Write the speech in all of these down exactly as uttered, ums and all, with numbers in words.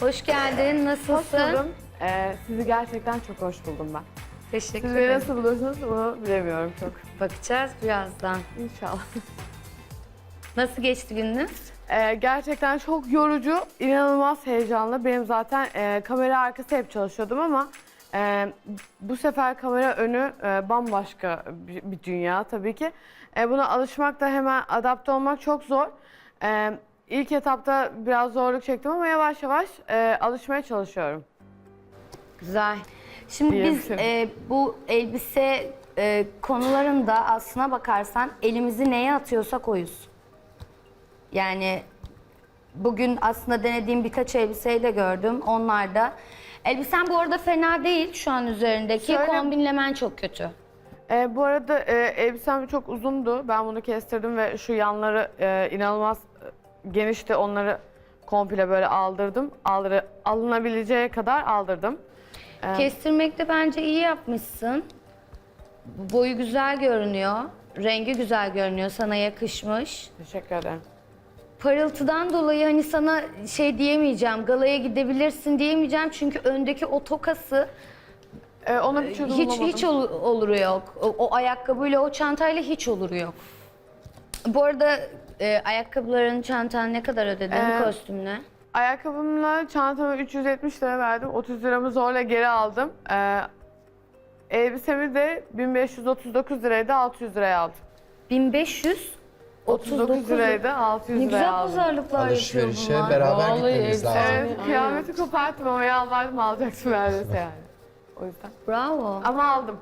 Hoş geldin. Hoş Nasılsın? buldum. Ee, sizi gerçekten çok hoş buldum ben. Teşekkür Siz beni ederim. nasıl buluyorsunuz bunu bilemiyorum çok. Bakacağız birazdan. İnşallah. Nasıl geçti gününüz? Ee, gerçekten çok yorucu, inanılmaz heyecanlı. Benim zaten e, kamera arkası hep çalışıyordum ama e, bu sefer kamera önü e, bambaşka bir, bir dünya tabii ki. E, buna alışmak da hemen adapte olmak çok zor. E, ilk etapta biraz zorluk çektim ama yavaş yavaş e, alışmaya çalışıyorum. Güzel. Şimdi biz Diyebilirim. e, bu elbise e, konularında aslına bakarsan elimizi neye atıyorsak oyuz. Yani bugün aslında denediğim birkaç elbiseyle gördüm. Onlar da. Elbisen bu arada fena değil şu an üzerindeki. Şöyle- Kombinlemen çok kötü. E, bu arada e, elbisem çok uzundu. Ben bunu kestirdim ve şu yanları e, inanılmaz e, genişti. Onları komple böyle aldırdım. Aldırı, alınabileceği kadar aldırdım. E, Kestirmekte bence iyi yapmışsın. Boyu güzel görünüyor. Rengi güzel görünüyor. Sana yakışmış. Teşekkür ederim. Parıltıdan dolayı hani sana şey diyemeyeceğim, galaya gidebilirsin diyemeyeceğim çünkü öndeki o tokası E, ona bir çözüm hiç bulamadım. hiç ol- oluru yok. O, o ayakkabıyla o çantayla hiç oluru yok. Bu arada e, ayakkabıların, çantan ne kadar ödedin Ee, kostümle? Ayakkabımla çantama üç yüz yetmiş lira verdim. otuz liramı zorla geri aldım. E, elbisemi de bin beş yüz otuz dokuz liraydı, altı yüz liraya aldım. bin beş yüz otuz dokuz liraydı, altı yüz Ne liraya güzel aldım. pazarlıklar yapıyor Alışverişe bunlar. beraber Vallahi gitmemiz lazım. Evet, kıyameti koparttım ama yalvardım alacaktım neredeyse yani. O yüzden. Bravo, Ama aldım.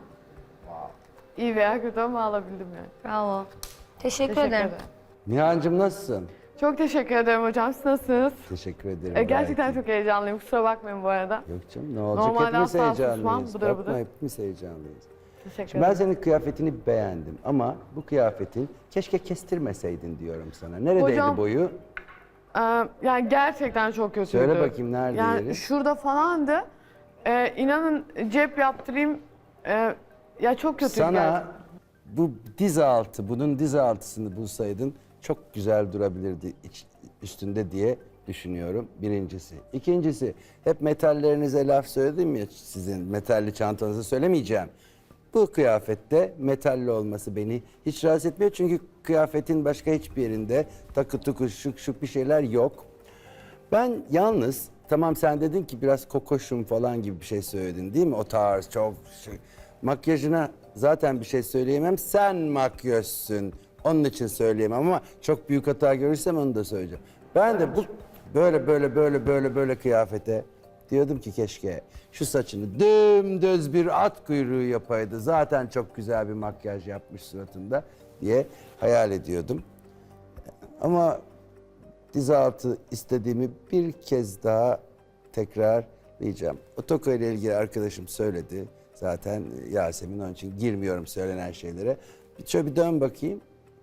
İyi veya kötü ama alabildim yani. bravo. Teşekkür, Teşekkür ederim. ederim. Nihan'cığım nasılsın? Çok teşekkür ederim hocam. Siz nasılsınız? Teşekkür ederim. Ee, gerçekten gayet çok heyecanlıyım. Kusura bakmayın bu arada. iyi. Yok canım ne olacak, Normalde hepimiz asla susmam, heyecanlıyız. bıdır Bakma bıdır. hepimiz heyecanlıyız. Teşekkür Şimdi ben ederim. senin kıyafetini beğendim ama bu kıyafetin keşke kestirmeseydin diyorum sana. Neredeydi Hocam, boyu? Ee, yani gerçekten çok kötüydü. Söyle bakayım nerede Yani yeri? şurada falandı. Ee, inanın cep yaptırayım. Ee, ya çok kötüydü Sana gerçekten. bu diz altı, bunun diz altısını bulsaydın çok güzel durabilirdi iç- üstünde diye düşünüyorum birincisi. İkincisi, hep metallerinize laf söyledim ya sizin metalli çantanızı söylemeyeceğim. Bu kıyafette metalli olması beni hiç rahatsız etmiyor çünkü kıyafetin başka hiçbir yerinde takı tuku şık şık bir şeyler yok. Ben yalnız, tamam sen dedin ki biraz kokoşum falan gibi bir şey söyledin değil mi? O tarz çok şey. Makyajına zaten bir şey söyleyemem. Sen makyözsün. Onun için söyleyemem ama çok büyük hata görürsem onu da söyleyeceğim. Ben de bu böyle böyle böyle böyle böyle kıyafete diyordum ki keşke şu saçını dümdüz bir at kuyruğu yapaydı. Zaten çok güzel bir makyaj yapmış suratında diye hayal ediyordum. Ama diz altı istediğimi bir kez daha tekrarlayacağım. O toka ile ilgili arkadaşım söyledi. Zaten Yasemin, onun için girmiyorum söylenen şeylere. Bir şöyle bir dön bakayım.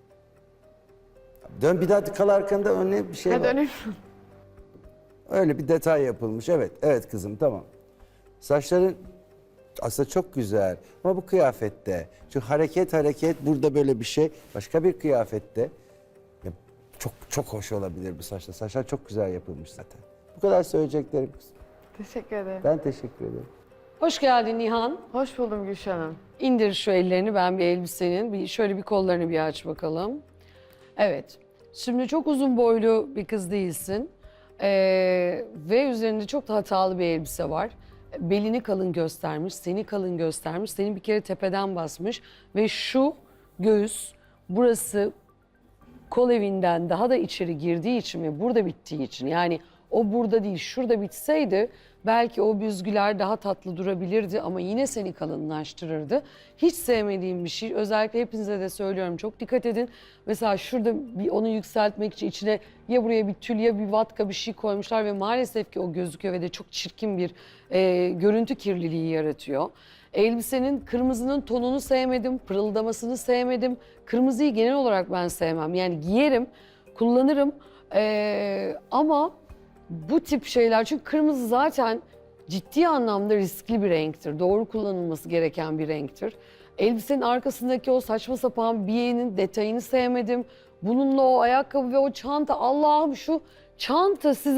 Dön bir daha kal arkanda, önüne bir şey Ha, var. döneyim. Öyle bir detay yapılmış. Evet, evet kızım tamam. Saçların aslında çok güzel ama bu kıyafette şu hareket hareket burada böyle bir şey başka bir kıyafette ya çok çok hoş olabilir bu saçlar. Saçlar çok güzel yapılmış zaten. Bu kadar söyleyeceklerim kızım. Teşekkür ederim. Ben teşekkür ederim. Hoş geldin Nihan. Hoş buldum Gülşen Hanım. İndir şu ellerini, ben bir elbisenin. Bir, şöyle bir kollarını bir aç bakalım. Evet. Şimdi çok uzun boylu bir kız değilsin. Ee, ve üzerinde çok da hatalı bir elbise var. Belini kalın göstermiş, seni kalın göstermiş. Seni bir kere tepeden basmış. Ve şu göğüs, burası kol evinden daha da içeri girdiği için ve burada bittiği için, yani o burada değil şurada bitseydi belki o büzgüler daha tatlı durabilirdi ama yine seni kalınlaştırırdı. Hiç sevmediğim bir şey, özellikle hepinize de söylüyorum, çok dikkat edin. Mesela şurada bir onu yükseltmek için içine ya buraya bir tül ya bir vatka bir şey koymuşlar ve maalesef ki o gözüküyor ve de çok çirkin bir e, görüntü kirliliği yaratıyor. Elbisenin kırmızının tonunu sevmedim, pırıldamasını sevmedim. Kırmızıyı genel olarak ben sevmem. Yani giyerim, kullanırım ee, ama bu tip şeyler, çünkü kırmızı zaten ciddi anlamda riskli bir renktir. Doğru kullanılması gereken bir renktir. Elbisenin arkasındaki o saçma sapan biyenin detayını sevmedim. Bununla o ayakkabı ve o çanta, Allah'ım şu çanta size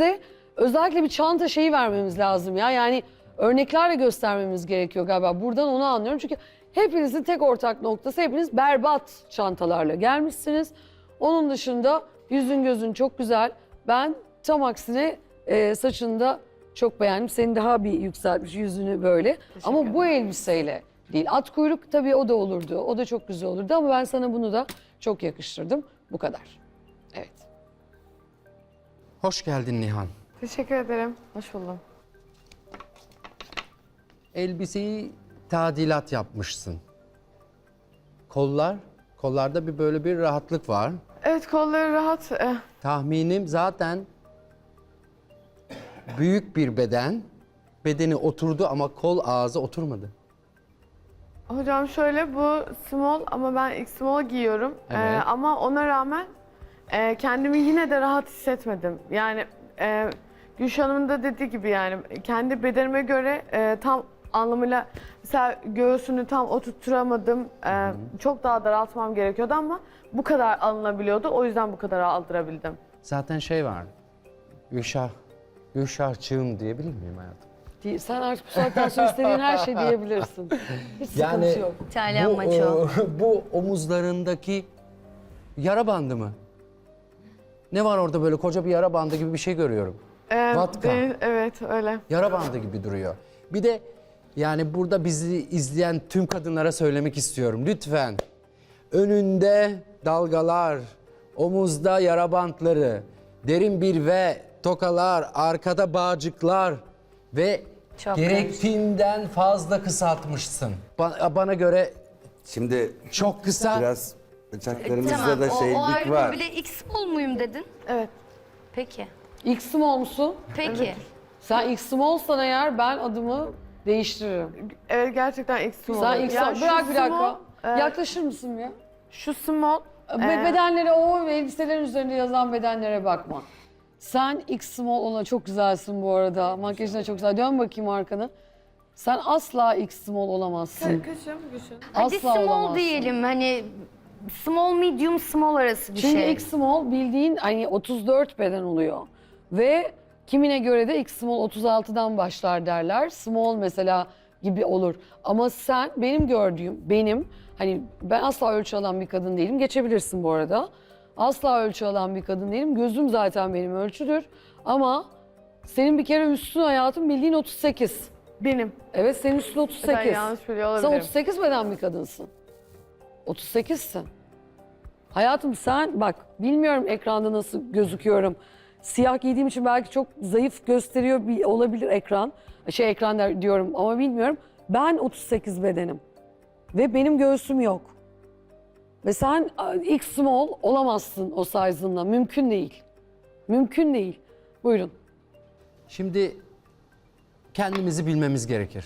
özellikle bir çanta şeyi vermemiz lazım ya. Yani örneklerle göstermemiz gerekiyor galiba. Buradan onu anlıyorum. Çünkü hepinizin tek ortak noktası, hepiniz berbat çantalarla gelmişsiniz. Onun dışında yüzün gözün çok güzel. Ben tam aksine e, saçını da çok beğendim. Seni daha bir yükseltmiş yüzünü böyle. Ama bu elbiseyle değil. At kuyruk tabii o da olurdu. O da çok güzel olurdu ama ben sana bunu da çok yakıştırdım. Bu kadar. Evet. Hoş geldin Nihan. Teşekkür ederim. Hoş buldum. Elbiseyi tadilat yapmışsın. Kollar, kollarda bir böyle bir rahatlık var. Evet, kolları rahat. Eh, Tahminim zaten büyük bir beden, bedeni oturdu ama kol ağzı oturmadı. Hocam şöyle, bu small ama ben ilk small giyiyorum. Evet. Ee, ama ona rağmen e, kendimi yine de rahat hissetmedim. Yani e, Gülşah Hanım'ın da dediği gibi yani kendi bedenime göre e, tam anlamıyla mesela göğsünü tam oturtturamadım. E, çok daha daraltmam gerekiyordu ama bu kadar alınabiliyordu. O yüzden bu kadar aldırabildim. Zaten şey var, Gülşah, Gülşahçığım diyebilir miyim hayatım? Değil- Sen artık bu saatten sonra istediğin her şey diyebilirsin. Hiç sıkıntı yok. İtalyan bu, maço. e, bu omuzlarındaki yara bandı mı? Ne var orada, böyle koca bir yara bandı gibi bir şey görüyorum. Ee, Vatka. de- evet öyle. Yara bandı gibi duruyor. Bir de yani burada bizi izleyen tüm kadınlara söylemek istiyorum. Lütfen önünde dalgalar, omuzda yara bantları, derin bir V, tokalar, arkada bağcıklar ve Çok gerektiğinden fazla kısaltmışsın. Ba- bana göre Şimdi çok kısa. biraz bacaklarımızda Tamam, da o, o şeylik ayrı var. bir de X small muyum dedin? Evet. Peki. İlk small musun? Peki. Sen ilk smallsan eğer ben adımı değiştiririm. Evet, gerçekten ilk small. Sen ilk Ya small. şu Bırak bir dakika. small, e, Yaklaşır mısın ya? şu small. Be- e, Bedenlere, o elbiselerin üzerinde yazan bedenlere bakma. Sen X small ona çok güzelsin bu arada. Makyajın da çok güzel. Dön bakayım arkanı. Sen asla X small olamazsın. Kışım, kışım. Hadi Asla small olamazsın. diyelim. Hani small, medium, small arası bir Çünkü şey. X small bildiğin hani otuz dört beden oluyor. Ve kimine göre de X small otuz altıdan başlar derler. Small mesela gibi olur. Ama sen benim gördüğüm, benim hani ben asla ölçü alan bir kadın değilim. Geçebilirsin bu arada. Asla ölçü alan bir kadın değilim. Gözüm zaten benim ölçüdür. Ama senin bir kere üstün hayatım bildiğin otuz sekiz. Benim. Evet, senin üstün otuz Ben sekiz. yanlış biliyor Sen olabilirim. otuz sekiz beden bir kadınsın. otuz sekizsin. Hayatım sen bak, bilmiyorum ekranda nasıl gözüküyorum. Siyah giydiğim için belki çok zayıf gösteriyor bir- olabilir ekran. Şey ekran der- diyorum ama bilmiyorum. Ben otuz sekiz bedenim. Ve benim göğsüm yok. Ve sen a, X small olamazsın o size'ınla. Mümkün değil. Mümkün değil. Buyurun. Şimdi kendimizi bilmemiz gerekir.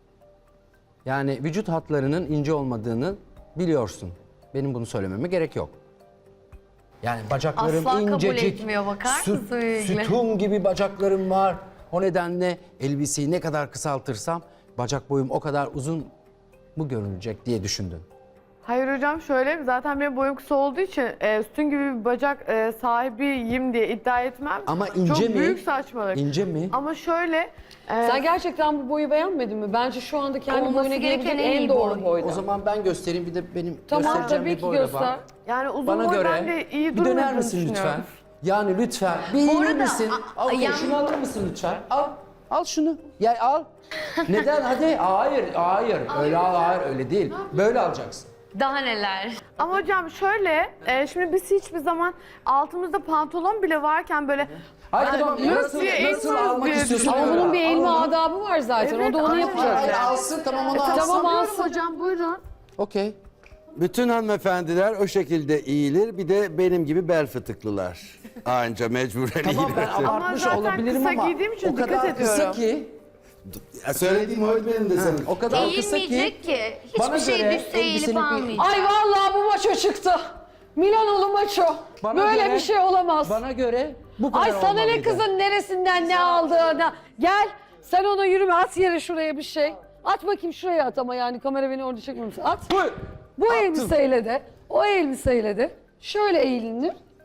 Yani vücut hatlarının ince olmadığını biliyorsun. Benim bunu söylememe gerek yok. Yani bacaklarım Asla kabul incecik, etmiyor, bakar sü- mısın Yügle? sütun gibi bacaklarım var. O nedenle elbiseyi ne kadar kısaltırsam bacak boyum o kadar uzun mu görünecek diye düşündün. Hayır hocam, şöyle zaten benim boyum kısa olduğu için e, sütun gibi bir bacak e, sahibiyim diye iddia etmem. Ama ince Çok mi? büyük saçmalık. İnce mi? Ama şöyle e, Sen gerçekten bu boyu beğenmedin mi? Bence şu anda kendi Olması boyuna gereken gelebilecek en en iyi doğru boy. boyda. O zaman ben göstereyim, bir de benim Tamam, göstereceğim tabii bir ki boyla göster. bak. yani uzun Bana boydan göre de iyi bir döner durmadığını misin lütfen? düşünüyorum. Yani lütfen bir eğilir arada, misin? a- Al, okey, yan- şunu alır mısın lütfen? Al. Al şunu. Ya al. Neden? Hadi. Hayır, hayır. Öyle al, hayır öyle değil. Böyle alacaksın. Daha neler? Ama hocam şöyle, e, şimdi biz hiçbir zaman altımızda pantolon bile varken böyle Hayır tamam. nasıl Nasıl, diye nasıl eğilmez almak diye istiyorsun? Ama öyle bunun al. bir Al eğilme onu. adabı var zaten. Evet, o da onu aynen. yapacak. Hayır, alsın tamam onu alsın. Tamam Sanıyorum alsın. hocam, buyurun. Okey. Bütün hanımefendiler o şekilde eğilir. Bir de benim gibi bel fıtıklılar. Anca mecburen Tamam ben eğilirsin. abartmış zaten olabilirim kısa ama giydiğim için o dikkat kadar kısa ediyorum. ki, Ya söylediğim oydu benim de senin. o kadar kısa ki Eğilmeyecek ki. bana Hiçbir şey göre düşse eğilip elbisenin bir- almayacak. Ay vallahi bu maço çıktı. Milanolu maço. Bana Böyle göre- bir şey olamaz. bana göre bu kadar Ay sana ne olmalıydı. kızın neresinden ne aldığına. Gel sen ona yürüme, at yere şuraya bir şey. At bakayım şuraya at ama yani kamera beni orada çekmemiş. At. Buyur. Bu elbiseyle de, o elbiseyle de şöyle eğilinir.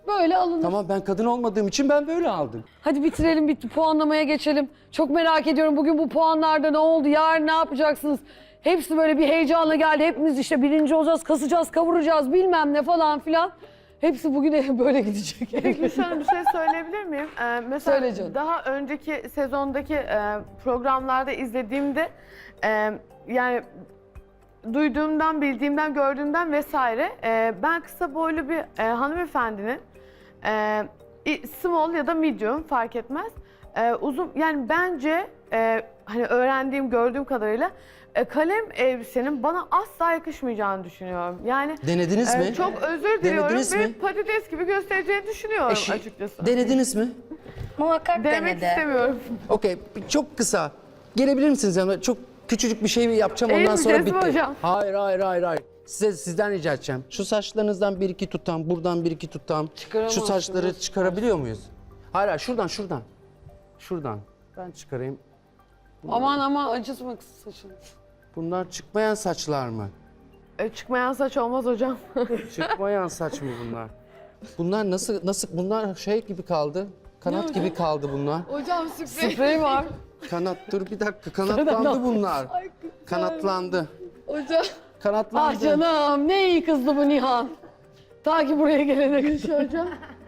Böyle alınır. Tamam ben kadın olmadığım için ben böyle aldım. Hadi bitirelim, bitti. Puanlamaya geçelim. Çok merak ediyorum bugün bu puanlarda ne oldu? Yarın ne yapacaksınız? Hepsi böyle bir heyecanla geldi. Hepimiz işte birinci olacağız, kasacağız, kavuracağız bilmem ne falan filan. Hepsi bugün böyle gidecek. Peki şöyle bir şey söyleyebilir miyim? Ee, mesela Söyle canım. daha önceki sezondaki e, programlarda izlediğimde e, yani duyduğumdan, bildiğimden, gördüğümden vesaire e, ben kısa boylu bir e, hanımefendinin e, i- small ya da medium fark etmez. E, uzun yani bence e, hani öğrendiğim, gördüğüm kadarıyla e, kalem elbisenin bana asla yakışmayacağını düşünüyorum. Yani Denediniz e, mi? çok özür diliyorum Denediniz ve mi? patates gibi göstereceğini düşünüyorum Eşi- açıkçası. Denediniz mi? Muhakkak Denemek denedi. istemiyorum. Okey, çok kısa. Gelebilir misiniz yanıma? Çok küçücük bir şey yapacağım ondan sonra Eğilmeyeceğiz mi bitti. hocam? Hayır, hayır, hayır, hayır. Size sizden rica edeceğim. Şu saçlarınızdan bir iki tutam, buradan bir iki tutam. Şu Çıkaramazsın, saçları nasıl çıkarabiliyor muyuz? Hayır, hayır, şuradan, şuradan. Şuradan. Ben çıkarayım. Aman aman acıtma kız saçını. Bunlar çıkmayan saçlar mı? E, çıkmayan saç olmaz hocam. Çıkmayan saç mı bunlar? Bunlar nasıl, nasıl, bunlar şey gibi kaldı. Kanat gibi kaldı bunlar. Hocam sürpriz. Sprey var. Kanat, dur bir dakika, kanatlandı bunlar. Kanatlandı. Hocam. Kanatlandı. Ah canım ne iyi kızdı bu Nihan. Ta ki buraya gelene kadar. Hocam.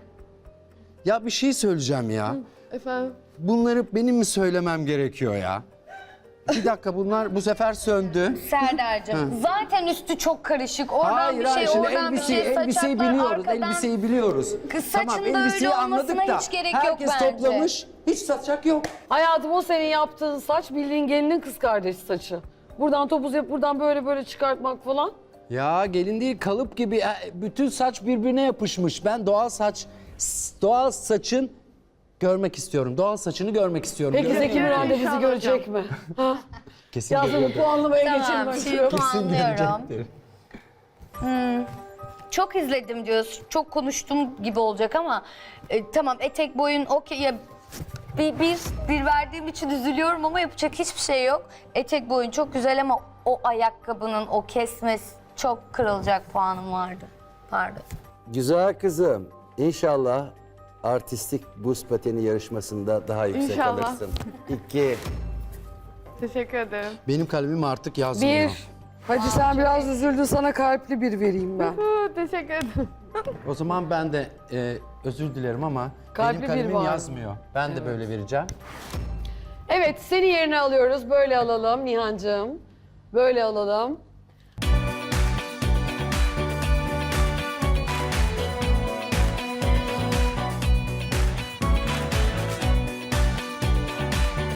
Ya bir şey söyleyeceğim ya. Efendim. Bunları benim mi söylemem gerekiyor ya? Bir dakika bunlar bu sefer söndü. Serdar'cığım zaten üstü çok karışık. Oradan Hayır bir hayır şey, şimdi oradan elbiseyi, bir şey, elbiseyi saçaklar biliyoruz, arkadan. elbiseyi biliyoruz. Kız saçın da öyle olmasına hiç gerek yok herkes bence. toplamış, hiç saçak yok. Hayatım o senin yaptığın saç bildiğin gelinin kız kardeşi saçı. Buradan topuz yapıp buradan böyle böyle çıkartmak falan. Ya gelin değil kalıp gibi e, bütün saç birbirine yapışmış. Ben doğal saç, s- doğal saçın görmek istiyorum. Doğal saçını görmek istiyorum. Peki Görmek- Zeki Müren de bizi İnşallah görecek mi? Ha? Kesin Yazın görüyordur. puanlamaya Tamam, geçelim. şimdi Kesin. puanlıyorum. Görecektir. Çok izledim diyoruz, çok konuştum gibi olacak ama e, tamam etek boyun okey ya bir, bir, bir verdiğim için üzülüyorum ama yapacak hiçbir şey yok. Etek boyun çok güzel ama o ayakkabının o kesmesi çok kırılacak puanım vardı. Pardon. Güzel kızım. İnşallah artistik buz pateni yarışmasında daha yüksek İnşallah. alırsın. İki. Teşekkür ederim. Benim kalemim artık yazmıyor. Bir. Hadi sen biraz üzüldün sana kalpli bir vereyim ben. Hı, teşekkür ederim. O zaman ben de e, özür dilerim ama Kalpli benim bir kalemim var. yazmıyor. Ben de böyle vereceğim. Evet seni yerine alıyoruz. Böyle alalım Nihancığım. Böyle alalım.